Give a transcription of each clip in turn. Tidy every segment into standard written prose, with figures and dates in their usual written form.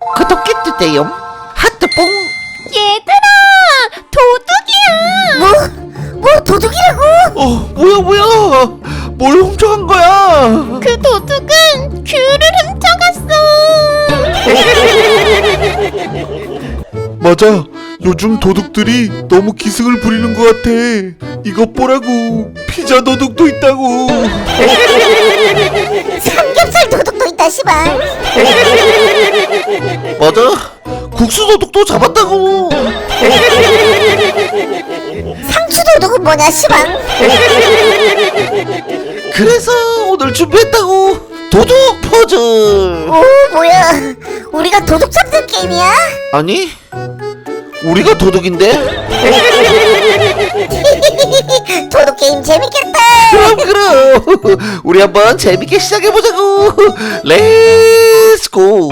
구독해 주세요. 하트뽕. 얘들아, 도둑이야. 뭐 도둑이라고? 뭐야 뭘 훔쳐간 거야? 그 도둑은 귤을 훔쳐갔어. 맞아. 요즘 도둑들이 너무 기승을 부리는 것 같아. 이것 보라고. 피자 도둑도 있다고. 삼겹살 도둑도 있다 시발. 맞아. 국수 도둑도 잡았다고. 상추 도둑은 뭐냐 시발. 그래서 오늘 준비했다고. 도둑 퍼즐. 오 뭐야, 우리가 도둑 잡는 게임이야? 아니, 우리가 도둑인데? 도둑 게임 재밌겠다. 그럼 우리 한번 재밌게 시작해보자고. 렛츠고.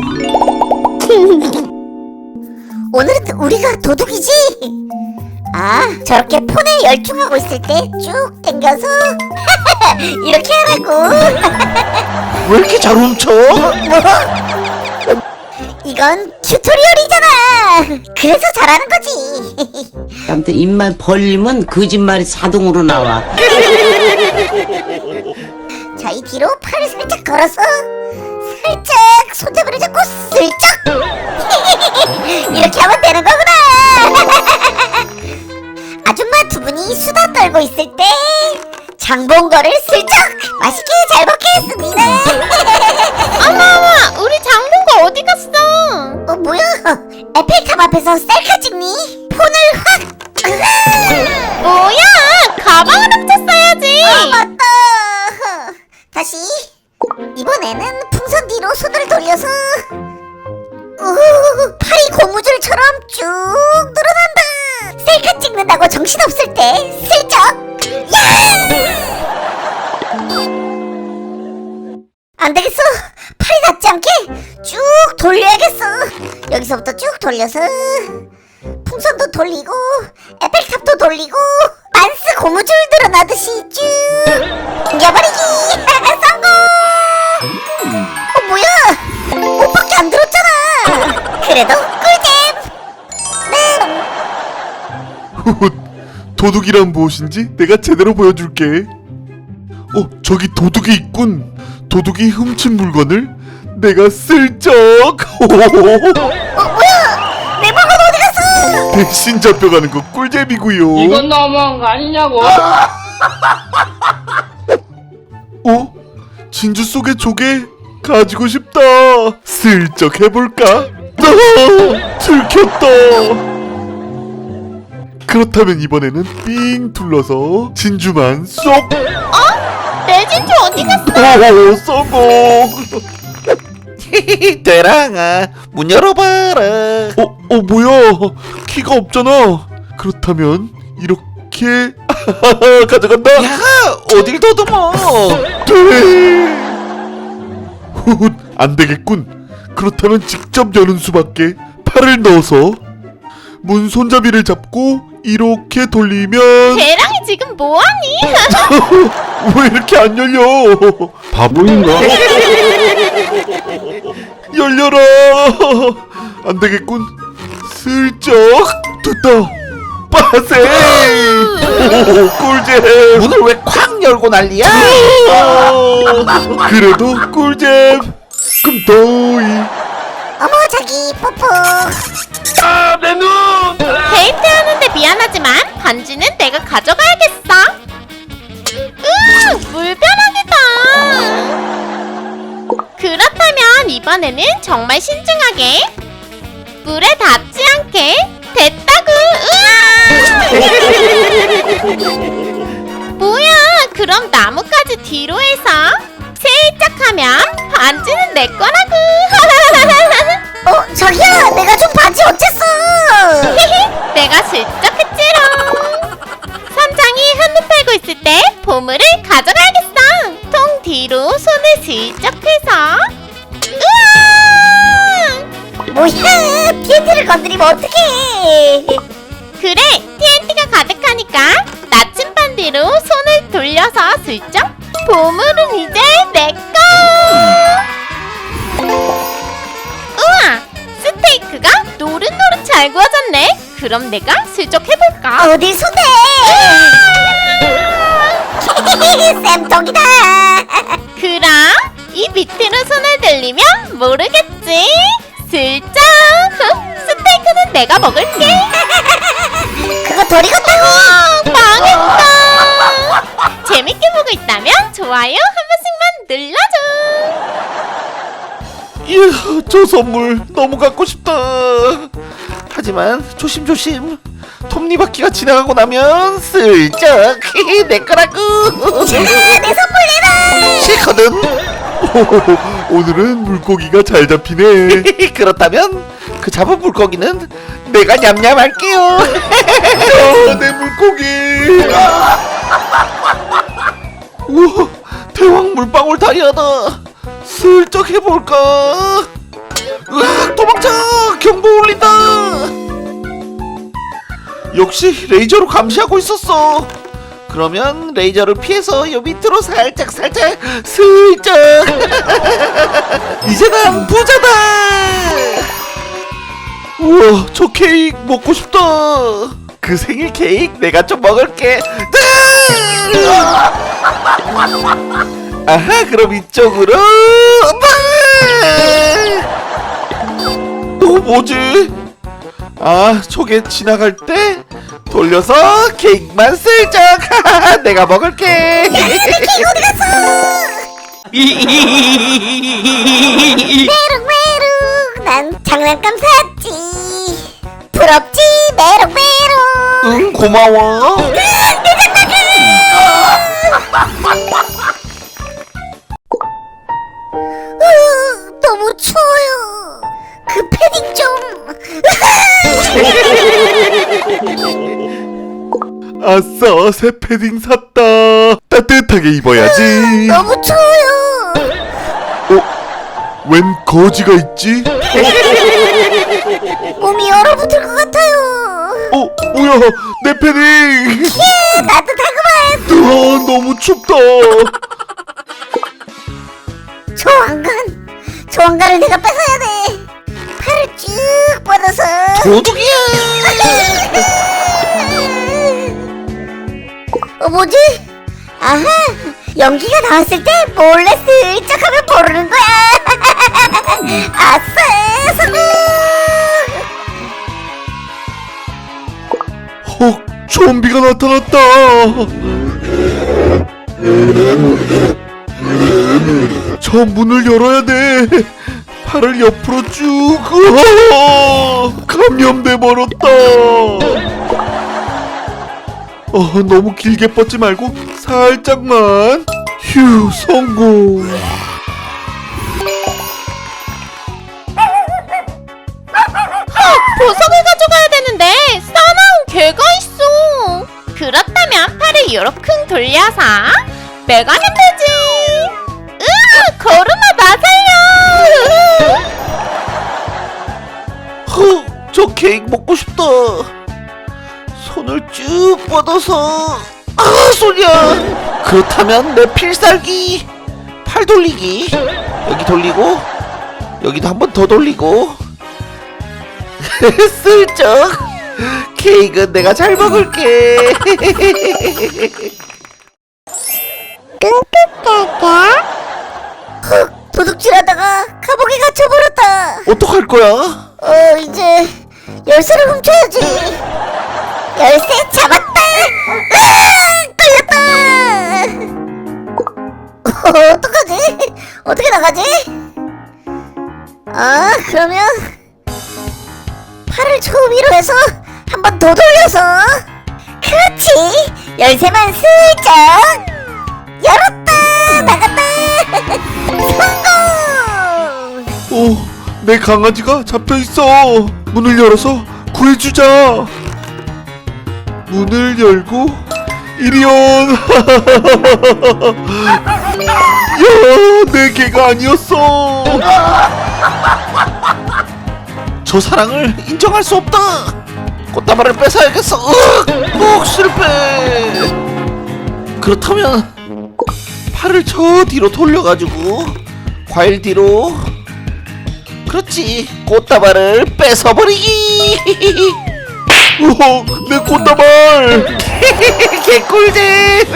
오늘은 우리가 도둑이지? 아, 저렇게 폰에 열중하고 있을 때 쭉 당겨서 이렇게 하라고. 왜 이렇게 잘 훔쳐? 뭐? 이건 튜토리얼이잖아. 그래서 잘하는 거지. 아무튼 입만 벌리면 거짓말이 자동으로 나와. 자, 이 뒤로 팔을 살짝 걸어서 살짝 손잡이를 잡고 슬쩍 이렇게 하면 되는 거구나. 아줌마 두 분이 수다 떨고 있을 때 장본거를 슬쩍 맛있게 잘 먹겠습니다. 어머, 우리 장본거 어디 갔어? 뭐야? 에펠탑 앞에서 셀카 찍니? 폰을 확. 뭐야, 가방을 훔쳤어야지. 맞다. 다시. 이번에는 풍선 뒤로 손을 돌려서 팔이 고무줄처럼 쭉 늘어난다. 셀카 찍는다고 정신없을 때 슬쩍. 야! 안되겠어. 팔이 닿지 않게 쭉 돌려야겠어. 여기서부터 쭉 돌려서 풍선도 돌리고 에펠탑도 돌리고 만스 고무줄 늘어나듯이 쭉 당겨버리기. 성공. 뭐야, 옷밖에 안 들었잖아. 그래도 꿀잼. 도둑이란 무엇인지 내가 제대로 보여줄게. 저기 도둑이 있군. 도둑이 훔친 물건을 내가 슬쩍. 뭐야, 내 물건 어디 갔어? 대신 잡혀가는 거 꿀잼이구요. 이건 너무한 거 아니냐고. 진주 속의 조개 가지고 싶다. 슬쩍 해볼까? 들켰다. 그렇다면 이번에는 삥 둘러서 진주만 쏙. 내 진주 어디 갔어? 성공. 대랑아, 문 열어봐라. 뭐야? 키가 없잖아. 그렇다면 이렇게 가져간다. 야, 어딜 더듬어? 안 되겠군. 그렇다면 직접 여는 수밖에. 팔을 넣어서 문 손잡이를 잡고 이렇게 돌리면. 대랑이 지금 뭐하니? 왜 이렇게 안 열려? 바보인가? 열려라. 안 되겠군. 슬쩍 됐다. 빠세. 꿀잼. 문을 왜 쾅 열고 난리야? 그래도 꿀잼. 금도이. 어머, 자기 뽀뽀. 데이트하는데 미안하지만 반지는 내가 가져가야겠어. 물벼락이다. 그렇다면 이번에는 정말 신중하게 물에 닿지 않게 됐다구. 뭐야, 그럼 나뭇가지 뒤로 해서 슬쩍 하면 반지는 내 거라구. 자기야, 내가 준 반지 어쨌어? 내가 슬쩍 했지롱. 선장이 한눈 팔고 있을 때 보물을 가져가야겠어. 통 뒤로 손을 슬쩍 해서. 우와! 뭐야, TNT를 건드리면 어떡해. 그래, TNT가 가득하니까 나침반 뒤로 손을 돌려서 슬쩍. 보물은 이제 내 거. 우와, 잘 구워졌네. 그럼 내가 슬쩍 해볼까? 어딜 손대? 쌤통이다. 그럼 이 밑으로 손을 들리면 모르겠지. 슬쩍. 스테이크는 내가 먹을게. 그거 돌이 같다고. 망했다. 재밌게 보고 있다면 좋아요 한 번씩만 눌러줘. 이야, 저 선물 너무 갖고 싶다. 하지만 조심조심. 톱니바퀴가 지나가고 나면 슬쩍 내 거라고. 내 선물 내놔. 싫거든. 오늘은 물고기가 잘 잡히네. 그렇다면 그 잡은 물고기는 내가 냠냠할게요. 내 물고기. 우와, 대왕 물방울 다리아다. 슬쩍 해볼까? 으악, 도망쳐! 경보 울린다. 역시 레이저로 감시하고 있었어. 그러면 레이저를 피해서 요 밑으로 살짝 슬쩍. 이제 난 부자다. 우와, 저 케이크 먹고 싶다. 그 생일 케이크 내가 좀 먹을게. 아하, 그럼 이쪽으로. 뭐지? 아, 저게 지나갈 때 돌려서 케이크만 슬쩍. 내가 먹을게. 메롱메롱. 난 장난감 샀지. 부럽지 메롱메롱. 응, 고마워. 너무 추워요. 그 패딩 좀. 아싸, 새 패딩 샀다. 따뜻하게 입어야지. 너무 추워요. 웬 거지가 있지? 몸이 얼어붙을 것 같아요. 뭐야, 내 패딩. 따뜻하구만. 너무 춥다. 조왕관을 내가 뺏어야 돼. 팔을 쭉 뻗어서. 도둑이야. 뭐지? 아하, 연기가 나왔을 때 몰래 슬쩍 하면 모르는 거야. 아싸, 성공. 헉, 좀비가 나타났다. 저 문을 열어야 돼. 팔을 옆으로 쭉. 감염돼 버렸다. 너무 길게 뻗지 말고 살짝만. 휴, 성공. 보석을 가져가야 되는데 싸나운 개가 있어. 그렇다면 팔을 요렇게 돌려서 빼가면 되지. 거름아 나 살려. 저 케이크 먹고 싶다. 손을 쭉 뻗어서. 소리야. 그렇다면 내 필살기 팔 돌리기. 여기 돌리고 여기도 한 번 더 돌리고. 슬쩍. 케이크는 내가 잘 먹을게. 도둑질하다가 감옥에 갇혀버렸다. 어떡할 거야? 이제 열쇠를 훔쳐야지. 열쇠 잡았다. 걸렸다. 어떡하지? 어떻게 나가지? 그러면 팔을 저 위로 해서 한 번 더 돌려서. 그렇지. 열쇠만 슬쩍 열었다. 나갔다. 성공. 내 강아지가 잡혀있어. 문을 열어서 구해주자. 문을 열고 이리 온. 야, 내 개가 아니었어. 저 사랑을 인정할 수 없다. 꽃다발을 뺏어야겠어. 실패. 그렇다면 팔을 저 뒤로 돌려가지고 과일 뒤로. 그렇지. 그렇지. 꽃다발을 뺏어버리기. 우와, 내 꽃다발. 개꿀잼.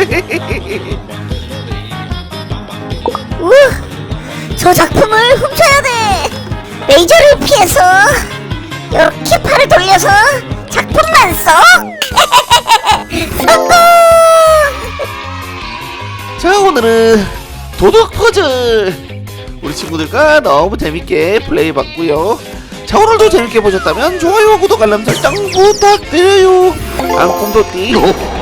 저 작품을 훔쳐야 돼. 레이저를 피해서 이렇게 팔을 돌려서 작품만 써. 성공. 자, 오늘은 도둑 퍼즐 우리 친구들과 너무 재밌게 플레이해봤고요. 자, 오늘도 재밌게 보셨다면 좋아요, 구독, 알람 설정 부탁드려요. 앙꿈도띠